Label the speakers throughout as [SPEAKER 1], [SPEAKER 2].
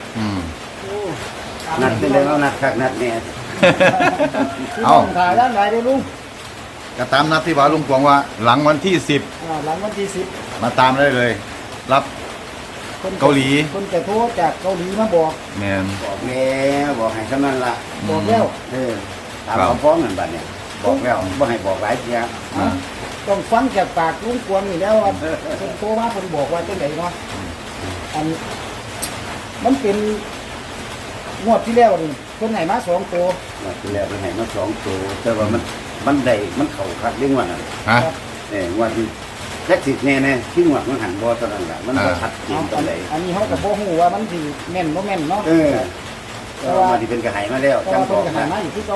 [SPEAKER 1] นัดเป็นไรเอานัดคักนัดเนี่ย
[SPEAKER 2] เอาถ่ายด้านไหนได้ลุง
[SPEAKER 3] ก็ตามนัดที่ว่าลุงกวางว่าหลังวันที่10
[SPEAKER 2] หลังวันที่
[SPEAKER 3] มาตามได้เลย รับเกาหลี
[SPEAKER 2] คนจะโทรจากเกาหลีมาบอก
[SPEAKER 3] แมน
[SPEAKER 1] บอกแล้วบอกให้เท่านั้นละ
[SPEAKER 2] บอกแล้ว
[SPEAKER 1] ตามคำฟ้องนั่นบัดเนี่ยบอกแล้วบ่ให้บอกหลายเทีย
[SPEAKER 2] ต้องฟังจากปากลุงกวางนี่แล้วว่าคนโทรมาคนบอกว่าจังไหนเนาะอันมันเป็นงวดที่แล้วนี่คนไหนมา2 ตัว
[SPEAKER 1] ที่แล้วมันให้มา2 ตัวแต่ว่ามันได้มันเข้าคักเรื่องว่านั่น
[SPEAKER 3] ฮะ
[SPEAKER 1] ว่าที่แท็กซี่แน่ๆที่งวดมันหันบ่เท่านั้นล่ะมันบ่ชัดเจนปานใด
[SPEAKER 2] อันนี้เขากับโบหูว่ามันสิแม่นบ่แม่นเนาะ
[SPEAKER 1] แต่ว่าที่เป็นกระหายมาแล้ว
[SPEAKER 2] แต่
[SPEAKER 1] จัง
[SPEAKER 2] ว่า
[SPEAKER 1] บ
[SPEAKER 2] เพิ่
[SPEAKER 1] อน ก
[SPEAKER 2] ก็หามาอยู่ที่เก่า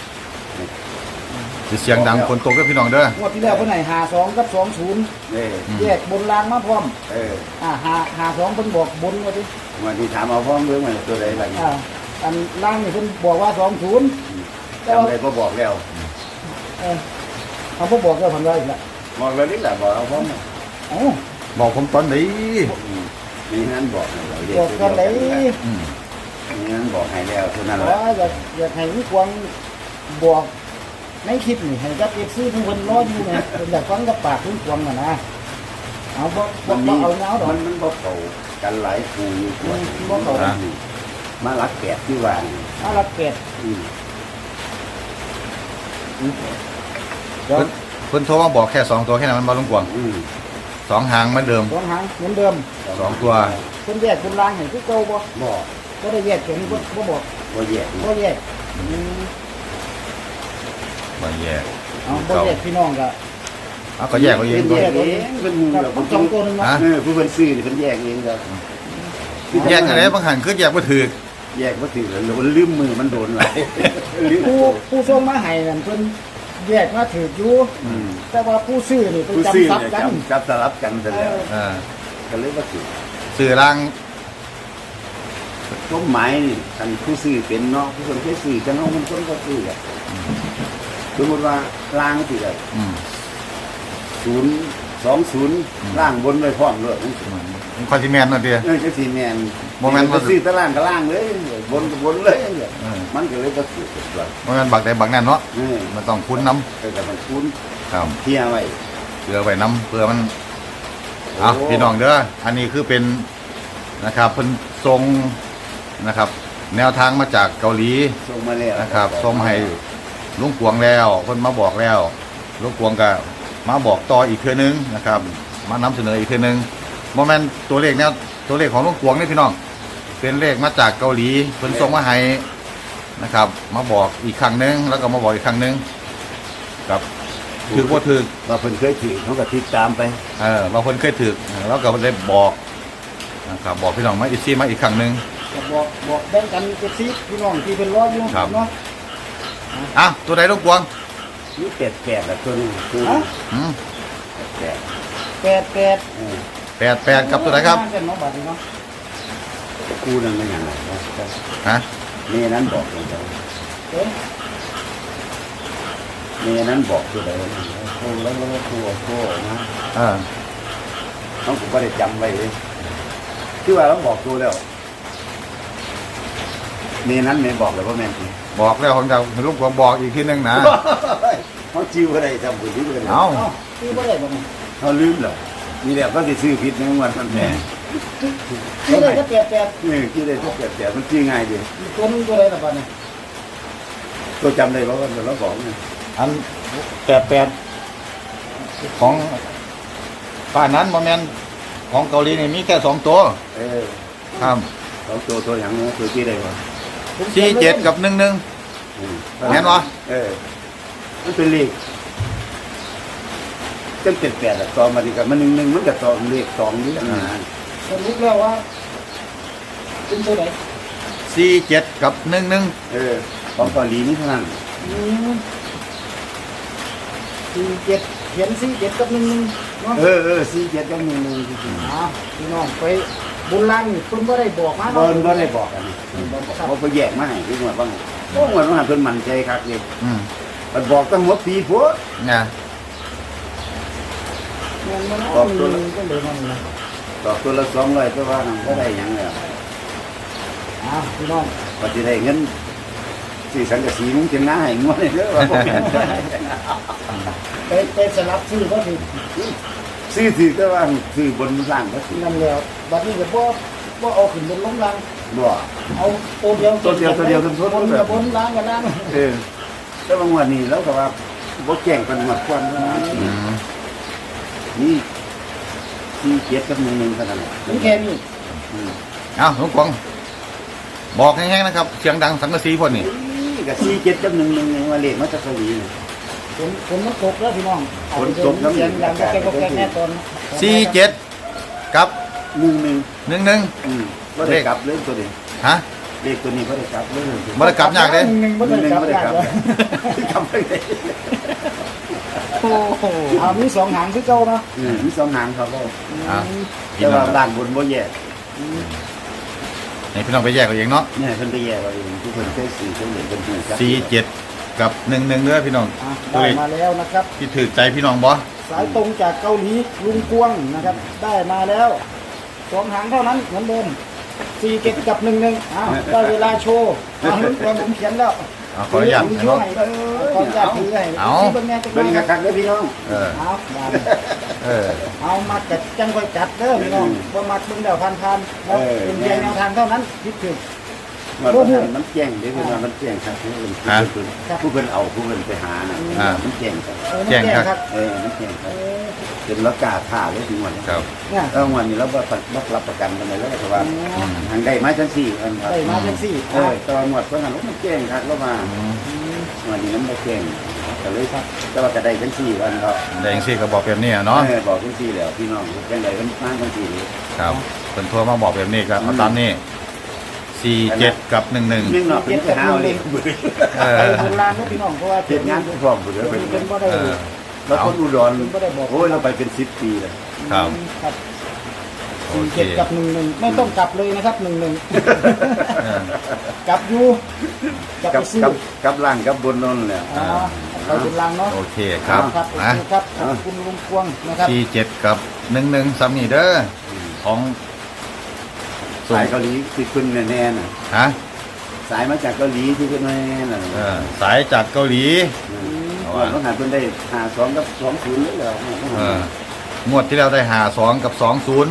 [SPEAKER 3] เสียงดังคนตกด้วยพี่น้องเด้อง
[SPEAKER 2] วดที่แล้วเพิ่นให้52กับ20แยกบนล่างมาพร้อม52เพิ่นบอกบนว่าติ
[SPEAKER 1] วันที่ถามเอาฟ้องเรื่องมันตัวใดล่ะ
[SPEAKER 2] อันล่างนี่เพิ่นบอกว่า20แต่
[SPEAKER 1] จำ
[SPEAKER 2] ว่า
[SPEAKER 1] ได้บ่บอกแล้ว
[SPEAKER 2] เขาบ่บอกแล้วเพิ่นว่าอีกละ
[SPEAKER 1] บอกแล้วนี่ล่ะบอกเอาฟ้อง
[SPEAKER 2] เอ้า
[SPEAKER 3] บอกผมตอนนี้
[SPEAKER 1] มีนั้นบอกให้เรา
[SPEAKER 2] บอกกันไหน
[SPEAKER 1] มีนั้นบอกให้แล้วเท่านั้น
[SPEAKER 2] อ๋
[SPEAKER 1] แห
[SPEAKER 2] อ
[SPEAKER 1] ละ
[SPEAKER 2] อยากให้ลุงกวางบอกในคลิปนี่ให้กับ FC ทุกคนรออยู่นะเพิ่นอยากฟังกับปากลุงกวางน่ะนะเอาบ่เอาเงาดอก
[SPEAKER 1] มันบ่เข้ากันหลายคู่อยู่กว่า
[SPEAKER 2] บ่เข้า
[SPEAKER 1] มารักแกะที่ว่า
[SPEAKER 2] เอาละเป็ด
[SPEAKER 3] เพิ่นโทรมาบอกแค่2 ตัวแค่นั้นมันบ่ลุงกวาง2 หางเหมือนเดิม
[SPEAKER 2] 2 หางเหมือนเดิม
[SPEAKER 3] 2 ตัว
[SPEAKER 2] เพิ่นแยกเป็นล่างให้คือเก่าบ่
[SPEAKER 1] บอก
[SPEAKER 2] ก็ได้แยกตัวนี้บ่บอก
[SPEAKER 1] บ่แยก
[SPEAKER 2] บ่แยก
[SPEAKER 3] บ่แยก
[SPEAKER 2] เอาบ่แยกพี่น้องก็
[SPEAKER 3] เอาก็แยกเอาเอง
[SPEAKER 1] แย
[SPEAKER 3] ก็
[SPEAKER 1] กเองเป็นหมู่
[SPEAKER 2] กับ
[SPEAKER 1] แบบ
[SPEAKER 2] สองตัวนึงเนาะ
[SPEAKER 1] ผู้เพิ่นซื้อนี่เพิ่นแยกเองครับ
[SPEAKER 3] แยกอะไรบางหันคือแยกบ่ถูก
[SPEAKER 1] แยกบ่ถือแล้วลืมมือมันโดนหลายลืม
[SPEAKER 2] ผู้ส่งมาให้นั่นเพิ่นแยกมาถืออยู่แต่ว่าผู้ซื้อนี่เพิ่น
[SPEAKER 1] ผู้
[SPEAKER 2] จำ
[SPEAKER 1] ซื้อ
[SPEAKER 2] ซับ
[SPEAKER 1] เนี่ย
[SPEAKER 2] กัน
[SPEAKER 1] จับสลับกันซะแล้ว ก็เลยบ่ถือ
[SPEAKER 3] สื่อล่าง
[SPEAKER 1] ต้นไม้นี่คันผู้ซื้อเป็นเนาะผู้คนเคยซื้อจังเฮามันคนก็ซื้ออ่ะสมมุติว่าล่างสิได้020ล่างบนไว้พร้อมเลย
[SPEAKER 3] มันคอนซิแมนนั่นเดีย
[SPEAKER 1] จังซี่แม่น
[SPEAKER 3] บ่แม่นว่า
[SPEAKER 1] ซื้อตะล่างก็ล่างเลยบนก็บนเลยมันก็เลยบ่ถือว่า
[SPEAKER 3] เพราะงั้นบักใดบักนั้นเนาะมันต้องคุ้นน้
[SPEAKER 1] แต่มันคุ้น
[SPEAKER 3] ำครับ
[SPEAKER 1] เที่ยไว้
[SPEAKER 3] เพื่อไว้น้ำเพื่อมันเอาพี่น้องเด้ออันนี้คือเป็นนะครับเพิ่นทรงนะครับ แนวทางมาจากเกาหลี
[SPEAKER 1] ส่งมาแล้ว
[SPEAKER 3] นะครับส่งให้ลุงกวงแล้วเพิ่นมาบอกแล้วลุงกวงก็มาบอกต่ออีกเทื่อนึงนะครับมานำเสนออีกเทื่อนึงโมเมนต์ตัวเลขเนี่ยตัวเลขของลุงกวงนี่พี่น้องเป็นเลขมาจากเกาหลีเพิ่นส่งมาให้นะครับ มาบอกอีกครั้งนึงแล้วก็มาบอกอีกครั้งนึงครับถือว่าถือ
[SPEAKER 1] ว่าเพิ่นเคยถือเขาก็ติดตามไป
[SPEAKER 3] บางคนเคยถือแล้วก็ได้บอกนะครับบอกพี่น้องมาอีกทีมาอีกครั้งนึง
[SPEAKER 2] ก็บอกแบ่งกันเจ็ดสิพี่น้องที่เพิ่นรออยู่เนาะ
[SPEAKER 3] อ่ะตัวใดลุงกวง
[SPEAKER 1] นี่แปดละตัวนึงคือ
[SPEAKER 3] อืม
[SPEAKER 1] แปด
[SPEAKER 3] 88กับตัวไหนครับ
[SPEAKER 2] เนาะบัดนี้เนาะ
[SPEAKER 1] คู่นั้นมันอย่างไรนะ
[SPEAKER 3] ฮะ
[SPEAKER 1] เมนั้นบอกตัวใด
[SPEAKER 2] เอ๊ะ
[SPEAKER 1] เมนั้นบอกตัวใดโอ้แล้วโอ้นะ น้องผมก็ได้จำไว้เลยคือว่าเราบอกตัวแล้วเมนั้นเมบอกเลยว่าแม่นจริง
[SPEAKER 3] บอกแล้วผมจะลุงกวงบอกอีกทีนึงนะ
[SPEAKER 1] เขาจิ้วก็ได้จำผู้ที่ก็ได้
[SPEAKER 3] เอา
[SPEAKER 2] คือบ่ได้บ่นี่
[SPEAKER 1] เขาลืมเหรอมีแล้วก็จะซื้อผิดในวันมันแม่
[SPEAKER 2] คือได้ก็แปด
[SPEAKER 1] ที่ได้ทุกแต่มันจี้ง่ายดี
[SPEAKER 2] ตัวนึงตัวใดล่ะบัดนี้
[SPEAKER 1] ตัวจำได้เพราะว่าเราบอกเนี่ย
[SPEAKER 3] อัน88ของป้านั้นโมเมนต์ของเกาหลีนี่มีแค่2 ตัว ครับ
[SPEAKER 1] สองตัวอย่างนี้ตัวที่ได้ก่อน
[SPEAKER 3] 47กับ11เห็นปะ
[SPEAKER 1] มันเป็นเลขจังแปดต่อมาดีกับมัน1มันกับต่อเลข2นี่นะ
[SPEAKER 2] สรุปแล้วว่าเป็นตัวไหน
[SPEAKER 3] 47กับ11
[SPEAKER 1] ของเกาหลีนี่เท่านั้น
[SPEAKER 2] 47เขียน47กับ11เนาะ
[SPEAKER 1] 47กับ1จริงๆ
[SPEAKER 2] พี่น้องไปบุญล่างนี่เพิ่นบ่ได้บอกมา
[SPEAKER 1] บ่บ่ได้บอกกันบ่ไปแยกมาให้คือว่าบ่บ่ว่ามันเพิ่นมั่นใจคักนี่มันบอกตั้งหัวปีพุ่น
[SPEAKER 3] เนี่ย
[SPEAKER 2] มันบอกตัวนึงก็เลยมันนะ
[SPEAKER 1] ดอกตัวละ200ตัวว่านั่นบ่ได้หยังแล้ว
[SPEAKER 2] พี่น้อง
[SPEAKER 1] ก็จะได้เงินสี่สังกะสีมุ้งเชียงหน้าให้งวดเลยเด้อว่าบ่แม่น
[SPEAKER 2] ไปสลับซื้อก็ถือ
[SPEAKER 1] ซื้อถือก็ว่าซื้อบนล่างก็ถือ
[SPEAKER 2] นั่นแล้วบัดนี้ก็บ่เอาขึ้นบนลงล่าง
[SPEAKER 1] บ่
[SPEAKER 2] เอาตัวเดียว
[SPEAKER 1] ตัวเดียวทั้งหมด
[SPEAKER 2] บนกับบนล่างกับล่าง
[SPEAKER 1] แต่บางวันนี้แล้วก็ว่าบ่แจ้งกันหมดควันว่า นี่ที่เจ็ดกับ1เท่านั้นแหละ
[SPEAKER 2] นี่แค่นี้
[SPEAKER 3] เอาลุงกวางบอกแห้งๆนะครับเสียงดังสังกะสีพ่นนี่
[SPEAKER 1] นี่ก็4 7กับ1ว่าเลขมาจากเกาหลีนี่
[SPEAKER 2] ฝนมันตกแล้วพี่น้อง
[SPEAKER 1] ฝนตกแล้ว
[SPEAKER 2] เสียงดังก็แก๊กแน่ตอน
[SPEAKER 3] 47กับ
[SPEAKER 1] 11
[SPEAKER 3] 11
[SPEAKER 1] บ่ได้กลับเลยตัวนี้
[SPEAKER 3] ฮะ
[SPEAKER 1] เลขตัวนี้บ่ได้กลับเลย
[SPEAKER 3] บ่ได้กลับยากเด้
[SPEAKER 2] หนึ่งบ่ได้กลับยากเลย
[SPEAKER 1] กลับไปเลย
[SPEAKER 3] โอ้โห
[SPEAKER 2] มีสองหางคือเก่าเนาะ
[SPEAKER 1] มี2หางครับบ่
[SPEAKER 3] อ่ะ
[SPEAKER 1] แต่ว่าด้านบนบ่แยก
[SPEAKER 3] ให้พี่น้องไปแยกเอาเองเนาะ
[SPEAKER 1] เนี่ยเพิ่นไปแยกเอาเองทุกคนเคยซื้อเพิ่นเห็นเพิ่นรู้จัก
[SPEAKER 3] 47กับ11เด้อพี่น้อง ตัว
[SPEAKER 2] ได้
[SPEAKER 3] เลข
[SPEAKER 2] มาแล้วนะครับ
[SPEAKER 3] ที่ถือใจพี่น้องบ่
[SPEAKER 2] สายตรงจากเกาหลีลุงกวงนะครับ ได้มาแล้วสองหางเท่านั้นเหมือนเดิม47กับ11ได้เวลาโชว์ลุงกวงผมเขียนแล้ว
[SPEAKER 3] เอาขออนุญาต
[SPEAKER 2] ผม
[SPEAKER 3] ให้
[SPEAKER 2] โช
[SPEAKER 3] เนาะ
[SPEAKER 2] ว์ให้ขออนุญาตถือให้
[SPEAKER 3] เอา
[SPEAKER 2] เบิ่งแน่จัง
[SPEAKER 1] เบิ่ง
[SPEAKER 2] ได๋
[SPEAKER 1] คักๆเด้อพี่น้อง
[SPEAKER 3] เออ
[SPEAKER 2] เอาได้
[SPEAKER 3] เออ
[SPEAKER 2] เอามาจัดจังค่อยจัดเด้อพี่น้องบ่มักเบิ่งแล้วผ่านๆเนาะเป็นเพียงแนวทางเท่านั้นคิดถึง
[SPEAKER 1] มันแจ้งเด้อเพิ่นว่ามันแจ้งครับผู้เพิ่นผู้เพิ่นเอาผู้เพิ่นไปหาน่ะมันแจ้งครับ
[SPEAKER 3] แจ้งครับ
[SPEAKER 1] มันแจ้งครับเป็นราคาท่าเลยถึงวันนี้
[SPEAKER 3] ครับ
[SPEAKER 2] เนี่ย
[SPEAKER 1] วันนี้เราบ่รับประกันกันเลยแล้วแต่ว่าทางได้มาจังซี่อันครับ
[SPEAKER 2] ได้มาจังซี่
[SPEAKER 1] ตอนหมดเพิ่นมันแจ้งครับแล้วมาวันนี้มันบ่แจ้งก็เลยแต่ว่าก็ได้จังซี่วันครับ
[SPEAKER 3] ได้จังซี่ก็บอกแบบนี้อะเนาะ
[SPEAKER 1] บอกจังซี่แล้วพี่น้องจังได๋เพิ่นมาจังซี่
[SPEAKER 3] ครับเพิ่นโทรมาบอกแบบนี้ก็เอาตามนี้47กับ11
[SPEAKER 1] นึงเนาะเป็นไปหาเอาเลข
[SPEAKER 3] เอ
[SPEAKER 2] ไป
[SPEAKER 3] อ
[SPEAKER 2] โบราณนะพี่น้องเพราะว่า
[SPEAKER 1] เฮ็ดงานพร้อมบ่เด้อ
[SPEAKER 2] เป็นบ่ได้
[SPEAKER 1] แล้วคนอุดรโอ้ยเราไปเป็น10ปีแล้ว
[SPEAKER 3] ครับ
[SPEAKER 2] ครับ
[SPEAKER 3] โอเค
[SPEAKER 2] 47กับ11ไม่ต้องกลับเลยนะครับ11
[SPEAKER 3] เออก
[SPEAKER 2] ลับอยู่กลับไปซื้อ
[SPEAKER 1] กับล่างกับบนนั่นแหละ
[SPEAKER 2] ไปเป็นลังเนาะ
[SPEAKER 3] โอเคครับ
[SPEAKER 2] ครับโอ
[SPEAKER 3] นะ
[SPEAKER 2] เคครับขอบคุณลุงกวงนะครับ
[SPEAKER 3] 47กับ11ซ้ำนี่เด้อของ
[SPEAKER 1] สายเกาหลีที่ขึ้นแน่ๆน่ะ
[SPEAKER 3] ฮะ
[SPEAKER 1] สายมาจากเกาหลีที่ขึ้นแน่ๆน่ะ
[SPEAKER 3] สายจากเกาหลี
[SPEAKER 1] ต้องหาเพิ่นได้52กับ20เลยแล้ว
[SPEAKER 3] งวดที่แล้วได้52กับ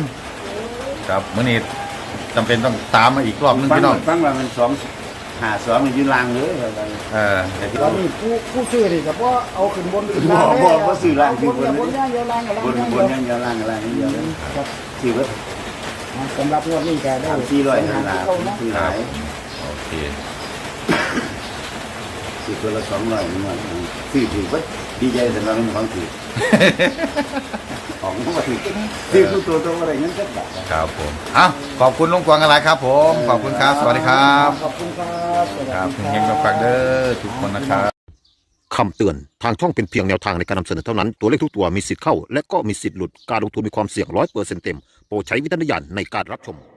[SPEAKER 3] 20ครับมื้อนี้จำเป็นต้องตามมาอีกรอบนึงพี่น้อง
[SPEAKER 1] ฟังว่ามัน52มันยืนล่างเลยแต่ที่
[SPEAKER 2] ตอนนี้ผู้ซื้อนี่ก็บ่เอาขึ้นบนขึ้นล่าง
[SPEAKER 1] บ่ซื้อล่างคือบ
[SPEAKER 2] นย่างเดียวล่างกับล่าง
[SPEAKER 1] บน
[SPEAKER 2] ย่าง
[SPEAKER 1] บ
[SPEAKER 2] เดียว
[SPEAKER 1] นยังเดียวล่างอะไรนี่เดียวเลย
[SPEAKER 2] ครับ
[SPEAKER 1] ซื้อว่า
[SPEAKER 2] สำหรับงวดนี้ก็ได้
[SPEAKER 1] 3-400นั่นล่ะซื้อหลาย
[SPEAKER 3] โอเค
[SPEAKER 1] ซื้อตัวละ200นี่มันซื้อถือว่าดีใจสำหรับเป็นของถือของมาถือซื้อตัวอะไรเงี้ยสักบาท
[SPEAKER 3] ครับผมขอบคุณลุงกวางอะไรครับผมขอบคุณครับสวัสดีครับ
[SPEAKER 2] ขอบคุณครับ
[SPEAKER 3] ครับเฮงๆกับฟังเด้อทุกคนนะครับ
[SPEAKER 4] คำเตือน ทางช่องเป็นเพียงแนวทางในการนำเสนอเท่านั้น ตัวเลขทุกตัวมีสิทธิ์เข้า และก็มีสิทธิ์หลุด การลงทุนมีความเสี่ยง100%เต็ม โปรดใช้วิจารณญาณในการรับชม